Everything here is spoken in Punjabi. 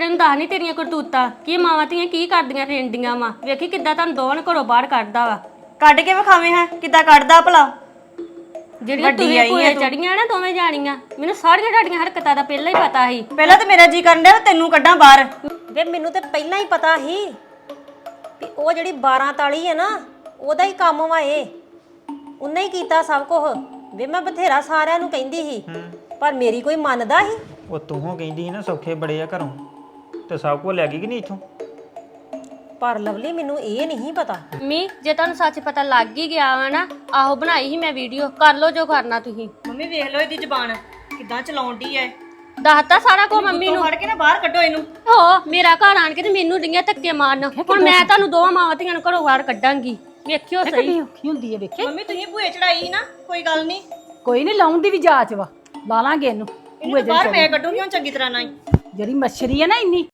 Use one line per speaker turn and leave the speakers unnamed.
ਤੇਰੇ ਨੂੰ ਦੱਸ ਨਹੀਂ ਤੇਰੀਆਂ ਕਰਤੂਤਾਂ ਕੀ ਮਾਵਾਂ ਧੀਆਂ ਕੀ ਕਰਦੀਆਂ ਰਹਿੰਦੀਆਂ ਵਾ ਵੇਖੀ ਕਿੱਦਾਂ ਤੁਹਾਨੂੰ ਦੋਵਾਂ ਨੂੰ ਘਰੋਂ ਬਾਹਰ ਕੱਢਦਾ ਵਾ
ਕੱਢ ਕੇ ਵਿਖਾਵੇਂ ਹਾਂ ਕਿੱਦਾਂ ਕੱਢਦਾ ਭਲਾ।
ਜਿਹੜੀਆਂ ਤੁਸੀਂ ਭੂਏ ਚੜੀਆਂ ਨਾ ਦੋਵੇਂ ਜਾਣੀਆਂ ਮੈਨੂੰ ਸਾਰੀਆਂ ਤੁਹਾਡੀਆਂ ਹਰਕਤਾਂ ਦਾ ਪਹਿਲਾਂ ਹੀ ਪਤਾ ਸੀ।
ਪਹਿਲਾਂ ਤਾਂ ਮੇਰਾ ਜੀ ਕਰਨ ਡਿਆ ਤੈਨੂੰ ਕੱਢਾਂ ਬਾਹਰ।
ਵੇ ਮੈਨੂੰ ਤੇ ਪਹਿਲਾਂ ਹੀ ਪਤਾ ਸੀ ਵੀ ਉਹ ਜਿਹੜੀ 12 ਤਾਲੀ ਹੈ ਨਾ ਉਹਦਾ ਹੀ ਕੰਮ ਵਾ ਇਹ, ਉਹਨੇ ਹੀ ਕੀਤਾ ਸਭ ਕੁਝ। ਵੇ ਮੈਂ ਬਥੇਰਾ ਸਾਰਿਆਂ ਨੂੰ ਕਹਿੰਦੀ ਸੀ ਪਰ ਮੇਰੀ ਕੋਈ ਮੰਨਦਾ ਸੀ।
ਉਹ ਤੂੰ ਕਹਿੰਦੀ ਸੀ ਨਾ ਸੌਖੇ ਬੜੇ ਆ ਘਰੋਂ ਤੇ ਸਭ ਕੁਝ ਲੈ ਗਈ ਕਿ ਨਹੀਂ ਇੱਥੋਂ।
ਪਰ ਲਵਲੀ ਮੈਨੂੰ ਇਹ ਨਹੀਂ ਪਤਾ।
ਮੰਮੀ ਜੇ ਤੁਹਾਨੂੰ ਸੱਚ ਪਤਾ ਲੱਗ ਹੀ ਗਿਆ ਵਾ ਨਾ ਆਹੋ ਬਣਾਈ ਸੀ ਮੈਂ ਵੀਡੀਓ ਕਰ ਲਓ ਜੋ ਕਰਨਾ ਤੁਸੀਂ।
ਮੰਮੀ ਵੇਖ ਲਓ ਇਹਦੀ ਜ਼ਬਾਨ ਕਿੱਦਾਂ ਚਲਾਉਂਦੀ ਐ।
ਦੱਸਤਾ ਸਾਰਾ ਕੁਝ ਮੰਮੀ ਨੂੰ।
ਫੜ ਕੇ ਨਾ ਬਾਹਰ ਕੱਢੋ ਇਹਨੂੰ।
ਹੋ ਮੇਰਾ ਘਰ ਆਣ ਕੇ ਤੇ ਮੈਨੂੰ ਡਿੰਗੀਆਂ ਧੱਕੇ ਮਾਰਨ ਹੁਣ ਮੈਂ ਤੁਹਾਨੂੰ ਦੋਵਾਂ ਮਾਵਾਂ ਧੀਆਂ ਨੂੰ ਘਰੋਂ ਬਾਹਰ ਕੱਢਾਂਗੀ ਵੇਖਿਓ ਸਹੀ।
ਕਿੰਨੀ ਔਖੀ ਹੁੰਦੀ ਹੈ ਵੇਖੇ।
ਮੰਮੀ ਤੁਸੀਂ ਭੂਏ ਚੜਾਈ ਨਾ ਕੋਈ ਗੱਲ ਨਹੀਂ।
ਕੋਈ ਨਹੀਂ ਲਾਉਣ ਦੀ ਵੀ ਜਾਚ ਵਾ ਲਾ ਲਾਂਗੇ ਇਹਨੂੰ।
ਇਹਨੂੰ ਬਾਹਰ ਮੈਂ ਕੱਢੂੰਗੀ ਹੁਣ ਚੰਗੀ ਤਰ੍ਹਾਂ ਨਾਲ।
ਜਿਹੜੀ ਮੱਛਰੀ ਹੈ ਨਾ ਇੰਨੀ